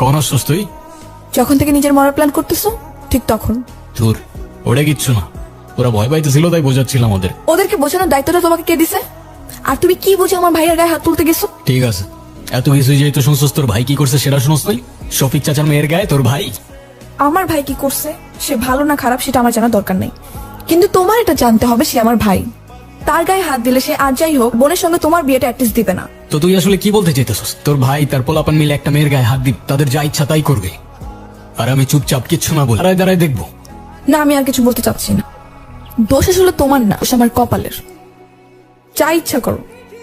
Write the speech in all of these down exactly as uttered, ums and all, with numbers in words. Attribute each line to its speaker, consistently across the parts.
Speaker 1: কখন আসছস তুই?
Speaker 2: যখন থেকে নিজের মরার প্ল্যান করতেছো ঠিক তখন।
Speaker 1: তোর ওটা কিচ্ছু না, ওরা ভয় পাইতেছিল তাই বোঝাচ্ছিলাম ওদের।
Speaker 2: ওদেরকে বোঝানোর দায়িত্বটা তোমাকে কে দিছে? আর তুমি কি বুঝে আমার ভাইয়ের গায়ে হাত তুলতে গেছো?
Speaker 1: ঠিক আছে, এত কিছু যেহেতু শুনছস, তোর ভাই কি করছে সেটা শুনস নাই? শফিক চাচার মেয়ের গায়ে তোর ভাই।
Speaker 2: আমার ভাই কি করছে সে ভালো না খারাপ সেটা আমার জানা দরকার নেই, কিন্তু তোমার এটা জানতে হবে সে আমার ভাই। তার গায়ে হাত দিলে সে আর যাই হোক বোনের সঙ্গে তোমার বিয়েটা অ্যাটলিস্ট দিবে না।
Speaker 1: তো তুই আসলে কি বলতে চাইতেছস? তোর ভাই তার পোলাপান মিলে একটা মেয়ের গায়ে হাত দিবে, তাদের যা ইচ্ছা তাই করবে, আর আমি চুপচাপ কিচ্ছু না বলে দাঁড়ায় দাঁড়ায় দেখবো?
Speaker 2: না, আমি আর কিছু বলতে চাচ্ছি না। দোষ আসলে তোমার না, দোষ আমার কপালের। যা ইচ্ছা করো।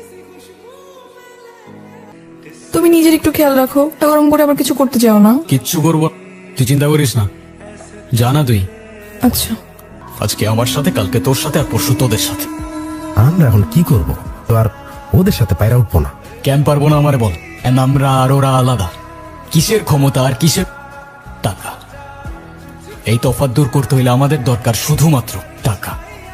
Speaker 2: তুমি নিজের একটু খেয়াল রাখো, গরম করে আবার কিছু করতে চাও না।
Speaker 1: কিচ্ছু করবো, তুই চিন্তা করিস না। জানা তুই
Speaker 2: আচ্ছা,
Speaker 1: আজকে আমার সাথে, কালকে তোর সাথে, আর পরশু তোদের সাথে।
Speaker 3: আমরা এখন কি করব? তো আর ওদের সাথে পায়রা উঠবো না।
Speaker 1: কেন পারবো না আমারে বল? And আমরা আর ওরা আলাদা। কিসের ক্ষমতা আর কিসের টাকা? এই তফাৎ দূর করতে হইলে আমাদের দরকার শুধুমাত্র টাকা।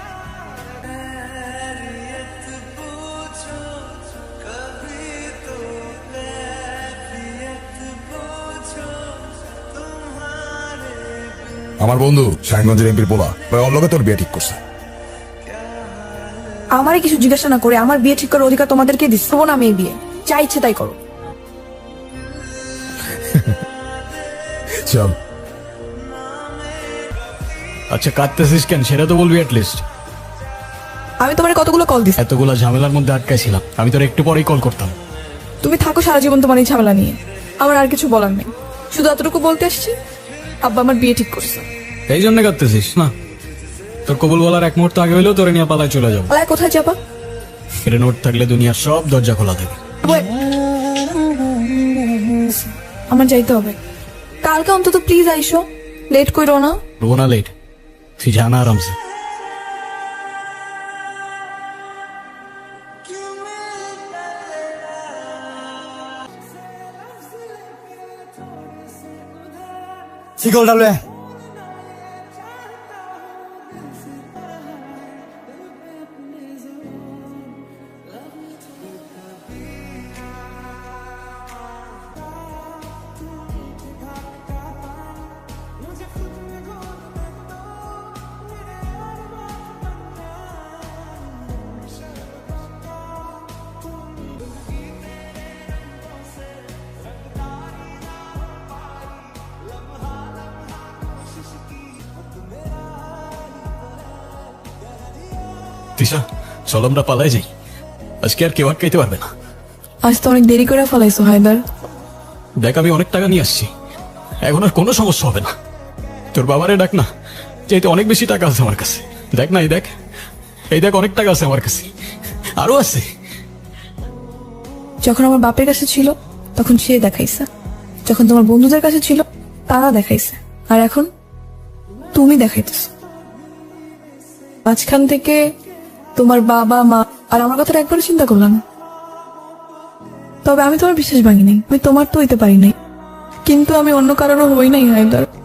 Speaker 4: আমার বন্ধু শাহিনগঞ্জের এমপির পোলা ওর লগে তোর বিয়ে ঠিক করছে।
Speaker 2: আমারই কিছু জিজ্ঞাসা না করে আমার বিয়ে ঠিক করার অধিকার তোমাদেরকে দিচ্ছ না। আমি এই বিয়ে যা ইচ্ছে তাই করো।
Speaker 4: চল।
Speaker 1: আচ্ছা কাঁদতেছিস কেন সেটা তো বলবি অ্যাটলিস্ট।
Speaker 2: আমি তোমার কতগুলো কল দিচ্ছি,
Speaker 1: এতগুলা ঝামেলার মধ্যে আটকাইছিলাম, আমি তোর একটু পরেই কল করতাম।
Speaker 2: তুমি থাকো সারা জীবন তোমার এই ঝামেলা নিয়ে। আমার আর কিছু বলার নেই, শুধু এতটুকু বলতে আসছি আব্বা আমার বিয়ে ঠিক করছে।
Speaker 1: এই জন্য কাঁদতেছিস না? তোর কবুল বলার এক মুহূর্ত আগে হইলেও তোরে নিয়ে পালায় চলে যাবো।
Speaker 2: পালায় কোথায় যাবা?
Speaker 1: এটা নোট থাকলে দুনিয়ার সব দরজা খোলা থাকে।
Speaker 2: ওই- আমার যাইতে হবে। কালকে অন্তত প্লিজ আইসো, লেট করো না।
Speaker 1: রোনা লেট, তুই জানা আরামসে।
Speaker 5: শিকল ডালে
Speaker 1: তিশা চল আমরা পালাই যাই, আজকে আর কেউ আটকাইতে পারবে না।
Speaker 2: আজ তো অনেক দেরি করে ফেলাইছো হায়দার।
Speaker 1: দেখ আমি অনেক টাকা নিয়ে আসছি, এখন আর কোনো সমস্যা হবে না। তোর বাবারে ডাক না, যেহেতু অনেক বেশি টাকা আছে আমার কাছে। দেখ না, এই দেখ, এই দেখ অনেক টাকা আছে আমার কাছে, আরো আছে।
Speaker 2: যখন আমার বাপের কাছে ছিল তখন সে দেখাইছে, যখন তোমার বন্ধুদের কাছে ছিল তারা দেখাইছে, আর এখন তুমি দেখাইতেছ। মাঝখান থেকে তোমার বাবা মা আর আমার কথাটা একবার চিন্তা করলাম। তবে আমি তোমার বিশ্বাস ভাঙি নাই, আমি তোমার তো হইতে পারি নাই, কিন্তু আমি অন্য কারোরও হই নাই হায়দার।